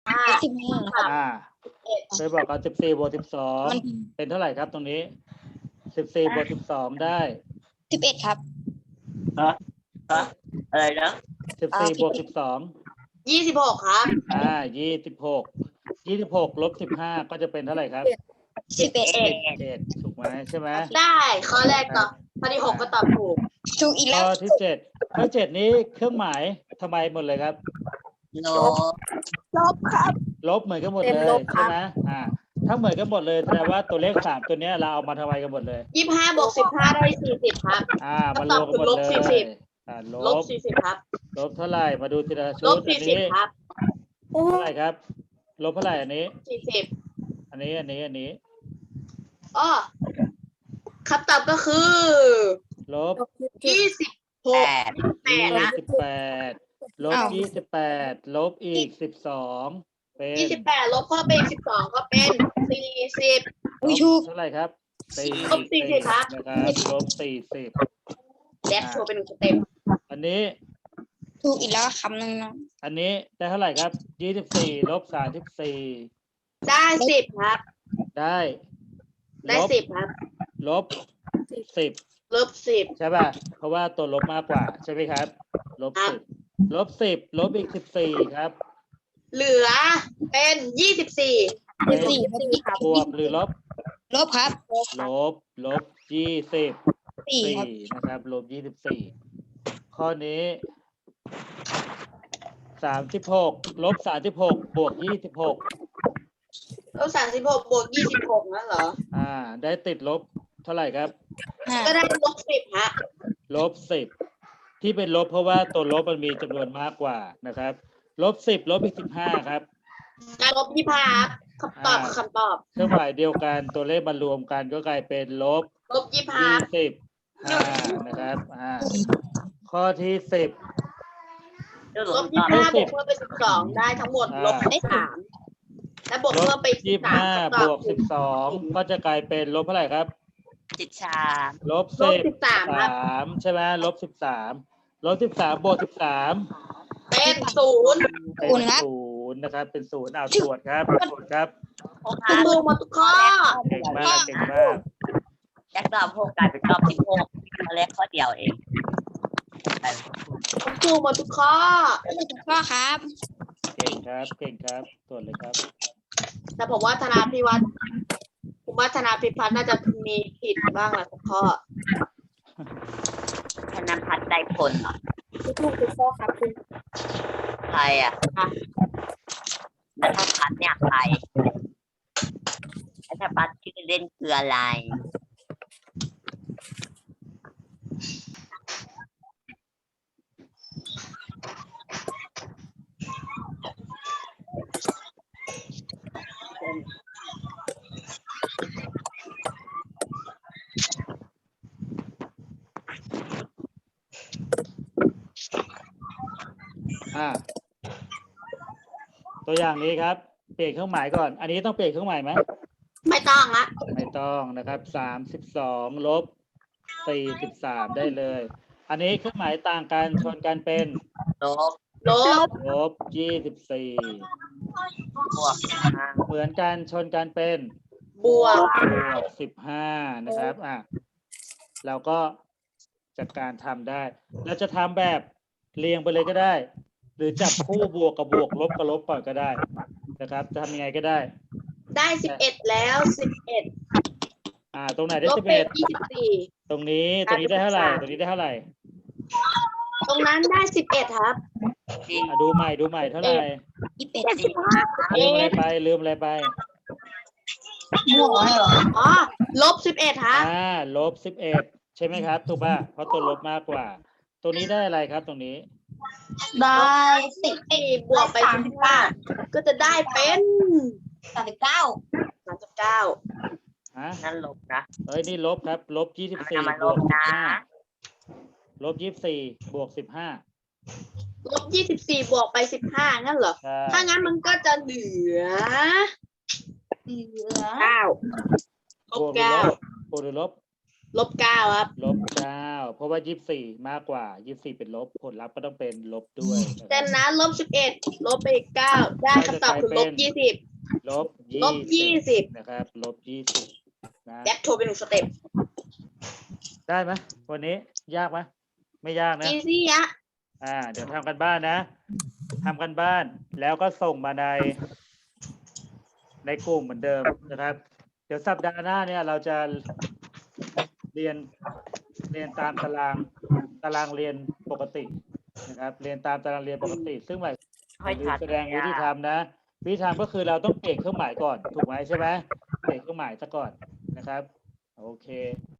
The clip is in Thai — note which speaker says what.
Speaker 1: 15 เคยบอกกัน14 บวก
Speaker 2: มัน
Speaker 1: 12เป็นเท่าไหร่ครับตรงนี้14 บวก 12ได้
Speaker 2: 11ครับ
Speaker 3: อะไรนะ
Speaker 1: 14 บวก
Speaker 3: 26 ครับ
Speaker 1: 1226 ลบ 15ก็จะเป็นเท่าไหร่ครับ
Speaker 2: 11
Speaker 1: ถูกไหมใช่ไหม
Speaker 3: ได้ข้อแรกตอบข้อที่ 6 ก็ตอบถูก
Speaker 2: ถูกอีกแล้
Speaker 1: ข้
Speaker 2: ว
Speaker 1: อที่ข้อ7นี้เครื่องหมายทำไมหมดเลยครับ
Speaker 3: โน
Speaker 2: ลบครับ
Speaker 1: ลบเหมือนกันหมด
Speaker 2: เป็น
Speaker 1: เลย
Speaker 2: ลบครั
Speaker 1: ใช่
Speaker 2: บ
Speaker 1: ไหมถ้าเหมือนกันหมดเลยแสดงว่าตัวเลข3ตัวเนี้ยเราเอามาทำไมกันหมดเลย
Speaker 3: 25 บวก 15 ได้ 40 ครับ
Speaker 1: มารวมกันหมดเลย
Speaker 3: ลบ 40 ครับ
Speaker 1: ลบเท่าไหร่มาดูทีละชุ
Speaker 3: ล
Speaker 1: ด
Speaker 3: บ
Speaker 1: อันนี้
Speaker 3: 40 ครับ
Speaker 1: เท่าไหร่ครับ ลบเท่าไหร่อันนี้
Speaker 3: 40
Speaker 1: อันนี้
Speaker 3: อ้อคำตอบก็คือ
Speaker 1: ลบ
Speaker 3: 26 8นะ
Speaker 1: 28ลบ 28ลบอีก12เป็น
Speaker 3: 28 ลบเพิ่มไปอีก12 ก็เป็น 40
Speaker 2: อุ้ยถูก
Speaker 1: เท่าไหร่ครับ
Speaker 3: ลบ40ครับ
Speaker 1: นะครับลบ40
Speaker 3: แดกโชว์เป็น1สเต็ป
Speaker 1: อันนี้
Speaker 2: ถูกอีกแล้วคำหนึ่งนะ
Speaker 1: อันนี้ได้เท่าไหร่ครับ24ลบ34
Speaker 3: ได้ 10 ครับ
Speaker 1: ได้
Speaker 3: ได้
Speaker 1: ลบ
Speaker 3: 10 ครับ
Speaker 1: ลบ10
Speaker 3: ลบ 10
Speaker 1: ใช่ป่ะเพราะว่าตัวลบมากกว่าใช่ไหมครับลบ
Speaker 3: ครับ
Speaker 1: 10ลบ10ลบอีก14ครับ
Speaker 3: เหลือเป็น 24
Speaker 1: เป็น
Speaker 2: 24
Speaker 1: บวกหรือลบ
Speaker 2: ลบครับ
Speaker 1: ลบ24
Speaker 2: 4ครับ
Speaker 1: นะครับลบ24ข้อนี้36ลบ36บวก26
Speaker 3: ลบ 36 บวก 26 นั่นเหรอ
Speaker 1: ได้ติดลบเท่าไหร่ครับ
Speaker 3: ก็ได้ลบ 10 ฮะ
Speaker 1: ลบ10ที่เป็นลบเพราะว่าตัวลบมันมีจำนวนมากกว่านะครับลบ10ลบอีก15ครับ
Speaker 3: ได้ลบ 25 ครับคำตอบคือคำตอบ
Speaker 1: เครื่องหมายเดียวกันตัวเลขมารวมกันก็กลายเป็นลบ
Speaker 3: ลบ 25
Speaker 1: 25นะครับข้อที่10
Speaker 3: ลบ 25 บวกเพิ่มไป 12 ได้ทั้งหมดลบ 13 และบวก
Speaker 1: ล
Speaker 3: เพิ่
Speaker 1: บ
Speaker 3: มไป13
Speaker 1: 25บวก12ก็จะกลายเป็นลบเท่าไหร่ครับ ลบ
Speaker 3: ลบ 13 ครับ
Speaker 1: 13ใช่ไหมลบ13ลบ13บวก13
Speaker 3: เป็น 0
Speaker 1: เป็น 0นะครับเป็น0ตรวจครับครับ
Speaker 3: ถูกหมดทุกข้อ
Speaker 1: เก่งมาก
Speaker 4: แยกรอบ6กลายเป็นรอบ16ข้อแรกข้อเดียวเอง
Speaker 3: ถูกหมดทุกข้อ
Speaker 2: ก็ครับ
Speaker 1: เก่งครับตรวจเลยครับ
Speaker 3: แต่ผมว่าธนาพิพัฒน์น่าจะมีผิดบ้างแหละทุกข้อ
Speaker 4: ธนพัฒน์ได้ผลเหรอ
Speaker 2: ถูกทุกข้อครับคุณ
Speaker 4: ใครอ่ะธนพัฒน์เนี่ยใครธนพัฒน์ชื่อเล่นคืออะไร
Speaker 1: ตัวอย่างนี้ครับเปลี่ยนเครื่องหมายก่อนอันนี้ต้องเปลี่ยนเครื่องหมายไหม
Speaker 3: ไม่ต้องละ
Speaker 1: ไม่ต้องนะครับ32ลบ43ได้เลย อันนี้เครื่องหมายต่างกันชนกันเป็น
Speaker 4: ลบ
Speaker 3: ลบ
Speaker 1: ลบ24
Speaker 4: บวก
Speaker 1: เหมือนกันชนกันเป็น
Speaker 3: บวก
Speaker 1: 15นะครับเราก็จัดการทำได้เราจะทำแบบเรียงไปเลยก็ได้ หรือจับคู่บวกกับบวกลบกับลบก่อนก็ได้นะครับจะทำยังไงก็ได้
Speaker 3: ได้ 11 แล้ว 11
Speaker 1: ตรงไหนได้
Speaker 3: ลบเป็น
Speaker 1: 11ตรงนี้ได้เท่าไหร่ตรงนี้ได้เท่าไหร่
Speaker 3: 24 ตรงนั้นได้ 11 ครับ
Speaker 1: ดูใหม่เท่าไหร่
Speaker 2: 21
Speaker 1: ลืมอะไรไป
Speaker 2: บวกเหรอ
Speaker 3: อ๋อ ลบ 11 ครับ
Speaker 1: ลบ11ใช่ไหมครับถูกป่ะเพราะตัวลบมากกว่าตรงนี้ได้อะไรครับตรงนี้
Speaker 3: ได้14บวกไป15ก็จะได้เป็น 39
Speaker 4: นั่นลบนะ
Speaker 1: นี่ลบครับลบ24
Speaker 4: เอามา
Speaker 1: บ
Speaker 4: ล
Speaker 1: ว
Speaker 4: บ
Speaker 1: ก
Speaker 4: นะ
Speaker 1: 15ลบ24บวก15
Speaker 3: ลบ 24 บวกไป 15 งั้นเหรอ
Speaker 1: ใช่
Speaker 3: ถ้างั้นมันก็จะเหลือ 9 ล
Speaker 1: บบ วกหรือลบ
Speaker 3: -9ครับ
Speaker 1: -9เพราะว่า24มากกว่า24เป็นลบผลลัพธ์ก็ต้องเป็นลบด้วยนะค
Speaker 3: แต่
Speaker 1: รับ
Speaker 3: นั้น-11ลบไปอีก9ได้คำตอบคือ
Speaker 1: ก็จะกลายเป็น
Speaker 3: -20
Speaker 1: ลบ
Speaker 3: -20
Speaker 1: นะครับลบ20นะ
Speaker 3: แบ็คโทรไป1สเต็ป
Speaker 1: ได้ไหมวันนี้ยากไหมไม่ยากนะ
Speaker 3: อีซี่อะ
Speaker 1: เดี๋ยวทำกันบ้านนะทำกันบ้านแล้วก็ส่งมาในกลุ่มเหมือนเดิมนะครับ เดี๋ยวสัปดาห์หน้าเนี่ยเราจะเรียนตามตารางเรียนปกตินะครับ เรียนตามตารางเรียนปกติ ซึ่งหมาย
Speaker 4: ค่อย
Speaker 1: ถึง
Speaker 4: ชัด
Speaker 1: แสดงวิธีทำนะวิธีทำก็คือเราต้องเปลี่ยนเครื่องหมายก่อนถูกไหมใช่ไหมเปลี่ยนเครื่องหมายซะก่อนนะครับ โอเค